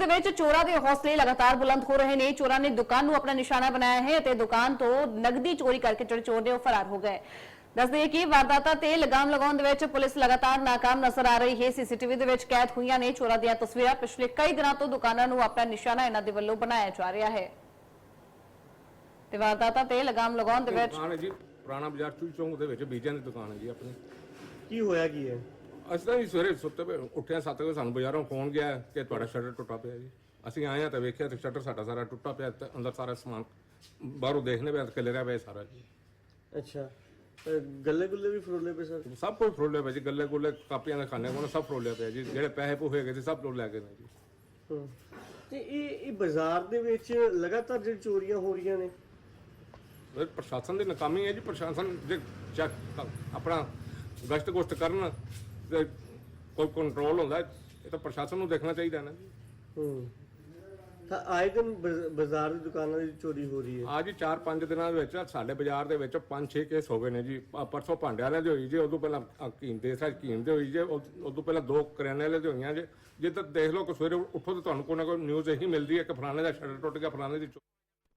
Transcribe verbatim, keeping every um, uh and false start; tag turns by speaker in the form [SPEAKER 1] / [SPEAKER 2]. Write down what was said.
[SPEAKER 1] ਦੇ ਵਿੱਚ ਚੋਰਾਂ ਦੇ ਹੌਸਲੇ ਲਗਾਤਾਰ ਬੁਲੰਦ ਹੋ ਰਹੇ ਨੇ। ਚੋਰਾਂ ਨੇ ਦੁਕਾਨ ਨੂੰ ਆਪਣਾ ਨਿਸ਼ਾਨਾ ਬਣਾਇਆ ਹੈ ਅਤੇ ਦੁਕਾਨ ਤੋਂ ਨਗਦੀ ਚੋਰੀ ਕਰਕੇ ਜਿਹੜੇ ਚੋਰ ਨੇ ਉਹ ਫਰਾਰ ਹੋ ਗਏ। ਦੱਸਦੇ ਕਿ ਵਾਰਦਾਤਾਂ ਤੇ ਲਗਾਮ ਲਗਾਉਣ ਦੇ ਵਿੱਚ ਪੁਲਿਸ ਲਗਾਤਾਰ ਨਾਕਾਮ ਨਜ਼ਰ ਆ ਰਹੀ ਹੈ। ਸੀਸੀਟੀਵੀ ਦੇ ਵਿੱਚ ਕੈਦ ਹੋਈਆਂ ਨੇ ਚੋਰਾਂ ਦੀਆਂ ਤਸਵੀਰਾਂ। ਪਿਛਲੇ ਕਈ ਦਿਨਾਂ ਤੋਂ ਦੁਕਾਨਾਂ ਨੂੰ ਆਪਣਾ ਨਿਸ਼ਾਨਾ ਇਹਨਾਂ ਦੇ ਵੱਲੋਂ ਬਣਾਇਆ ਜਾ ਰਿਹਾ ਹੈ ਤੇ ਵਾਰਦਾਤਾਂ ਤੇ ਲਗਾਮ ਲਗਾਉਣ ਦੇ ਵਿੱਚ
[SPEAKER 2] ਦੁਕਾਨ ਹੈ ਜੀ ਪੁਰਾਣਾ ਬਾਜ਼ਾਰ ਚੂਈ ਚੌਂਕ ਦੇ ਵਿੱਚ ਬੀਜਾਂ ਦੀ ਦੁਕਾਨ ਹੈ ਜੀ ਆਪਣੀ।
[SPEAKER 3] ਕੀ ਹੋਇਆ ਕੀ ਹੈ?
[SPEAKER 2] ਅਸੀਂ ਤਾਂ ਜੀ ਸਵੇਰੇ ਸੁੱਤੇ ਪਏ ਉੱਠਿਆ ਸੱਤ ਵਜੇ ਸਾਨੂੰ ਬਾਜ਼ਾਰੋਂ ਫੋਨ ਗਿਆ ਕਿ ਤੁਹਾਡਾ ਸ਼ਟਰ ਟੁੱਟਾ ਪਿਆ ਜੀ। ਅਸੀਂ ਆਏ ਆ ਤਾਂ ਵੇਖਿਆ ਤੇ ਸ਼ਟਰ ਸਾਡਾ ਸਾਰਾ ਟੁੱਟਾ ਪਿਆ ਤੇ ਅੰਦਰ ਸਾਰਾ ਸਮਾਨ ਬਾਹਰੋਂ ਦੇਖਣੇ ਪਿਆ ਖਿਲਰਿਆ ਪਿਆ ਸਾਰਾ ਜੀ।
[SPEAKER 3] ਅੱਛਾ, ਗੱਲੇ ਗੁੱਲੇ ਵੀ ਫਰੋਲੇ ਪਏ ਸਰ?
[SPEAKER 2] ਸਭ ਕੁਝ ਫਰੋਲਿਆ ਪਿਆ ਜੀ, ਗੱਲੇ ਗੁੱਲੇ ਕਾਪੀਆਂ ਦੇ ਖਾਨੇ ਕੋਲ ਸਭ ਫਰੋਲਿਆ ਪਿਆ ਜੀ। ਜਿਹੜੇ ਪੈਸੇ ਪੂਹੇ ਗਏ ਸੀ ਸਭ ਲੋਕ ਲੈ ਗਏ ਨੇ ਜੀ।
[SPEAKER 3] ਹੂੰ, ਤੇ ਇਹ ਇਹ ਬਾਜ਼ਾਰ ਦੇ ਵਿੱਚ ਲਗਾਤਾਰ ਜਿਹੜੀ ਚੋਰੀਆਂ ਹੋ ਰਹੀਆਂ ਨੇ,
[SPEAKER 2] ਇਹ ਪ੍ਰਸ਼ਾਸਨ ਦੀ ਨਾਕਾਮੀ ਹੈ ਜੀ। ਪ੍ਰਸ਼ਾਸਨ ਜੇ ਚੈੱਕ ਆਪਣਾ ਗਸ਼ਤ ਗੁਸ਼ਤ ਕਰਨ ਤੇ ਕੋਈ ਕੰਟਰੋਲ ਹੁੰਦਾ ਇਹ ਤਾਂ ਪ੍ਰਸ਼ਾਸਨ ਨੂੰ ਦੇਖਣਾ ਚਾਹੀਦਾ ਨਾ ਜੀ।
[SPEAKER 3] ਹੂੰ, ਤਾਂ ਆਏ ਦਿਨ ਬਜ਼- ਬਾਜ਼ਾਰ ਦੀ ਦੁਕਾਨਾਂ ਦੀ ਚੋਰੀ ਹੋ ਰਹੀ ਹੈ।
[SPEAKER 2] ਅੱਜ ਚਾਰ ਪੰਜ ਦਿਨਾਂ ਦੇ ਵਿੱਚ ਸਾਡੇ ਬਾਜ਼ਾਰ ਦੇ ਵਿੱਚ ਪੰਜ ਛੇ ਕੇਸ ਹੋ ਗਏ ਨੇ ਜੀ। ਆਹ ਪਰਸੋਂ ਭਾਂਡੇ ਵਾਲਿਆਂ ਦੇ ਹੋਈ ਜੀ, ਉਦੋਂ ਪਹਿਲਾਂ ਹਕੀਮ ਦੇ ਸਾਜ ਹਕੀਮ ਦੇ ਹੋਈ ਜੇ, ਉਦੋਂ ਪਹਿਲਾਂ ਦੋ ਕਰਿਆਨੇ ਵਾਲੇ ਦੇ ਹੋਈਆਂ ਜੇ। ਜੇ ਤਾਂ ਦੇਖ ਲਓ ਕਿ ਸਵੇਰੇ ਉੱਠੋ ਤਾਂ ਤੁਹਾਨੂੰ ਕੋਈ ਨਾ ਕੋਈ ਨਿਊਜ਼ ਇਹੀ ਮਿਲਦੀ ਹੈ ਕਿ ਫਲਾਣੇ ਦਾ ਸ਼ਟਰ ਟੁੱਟ ਗਿਆ, ਫਲਾਣੇ ਦੀ